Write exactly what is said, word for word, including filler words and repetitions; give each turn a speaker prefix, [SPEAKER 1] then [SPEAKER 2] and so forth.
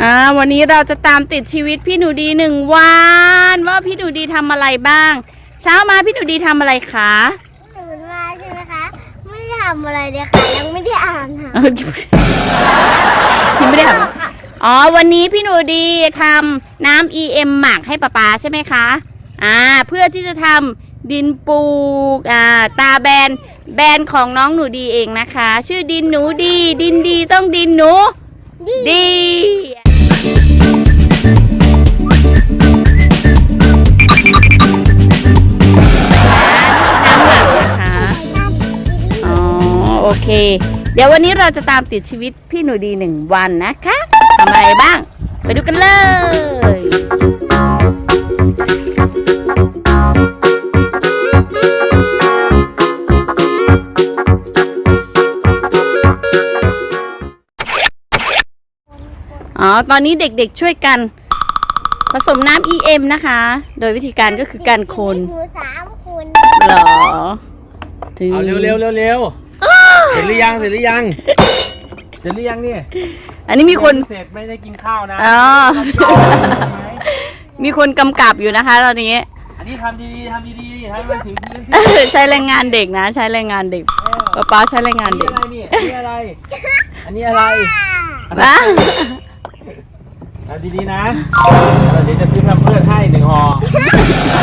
[SPEAKER 1] อ่าวันนี้เราจะตามติดชีวิตพี่หนูดีหนึ่งวันว่าพี่หนูดีทำอะไรบ้างเช้ามาพี่หนูดีทำอะไรคะ
[SPEAKER 2] ตื่นมาใช่ไหมคะไม่ได้ทำอะไรเลยค่ะยังไม่ได้อ่านค่ะ
[SPEAKER 1] ยังไม่ได้ทำอ๋อวันนี้พี่หนูดีทำน้ำ อี เอ็ม หมักให้ป๊าป๊าใช่ไหมคะอ่าเพื่อที่จะทำดินปลูกอ่าตาแบนแบรนด์ของน้องหนูดีเองนะคะชื่อดินหนูดีดินดีต้องดินหนูดีน้ำหมักนะคะอ๋อโอเคเดี๋ยววันนี้เราจะตามติดชีวิตพี่หนูดีหนึ่งวันนะคะทำอะไรบ้างไปดูกันเลยอ๋อตอนนี้เด็กๆช่วยกันผสมน้ำ อี เอ็ม นะคะโดยวิธีการก็คือการคน
[SPEAKER 2] หนูสามคน
[SPEAKER 1] หรอ
[SPEAKER 3] เอาเร็วเร็วเร็วเร็วเสร็จหรือยังเสร็จหรือยังเสร็จหรือยังนี่
[SPEAKER 1] อันนี้มีคน
[SPEAKER 3] เสร็จไม่ได้กินข้าวนะ
[SPEAKER 1] อ๋อมีคนกำกับอยู่นะคะตอนนี้
[SPEAKER 3] อันนี้ทำดีๆทำดีๆให้มันถึงพื้น
[SPEAKER 1] ใช้แรงงานเด็กนะใช้แรงงานเด็กป๊าป๊าใช้แรงงานเด็ก
[SPEAKER 3] อันนี้อะไร อันนี้อะไร
[SPEAKER 1] นะ
[SPEAKER 3] ทำดีๆนะเดี๋ยวจะซื้อแพมเพิร์สให้หนึ่งห่อ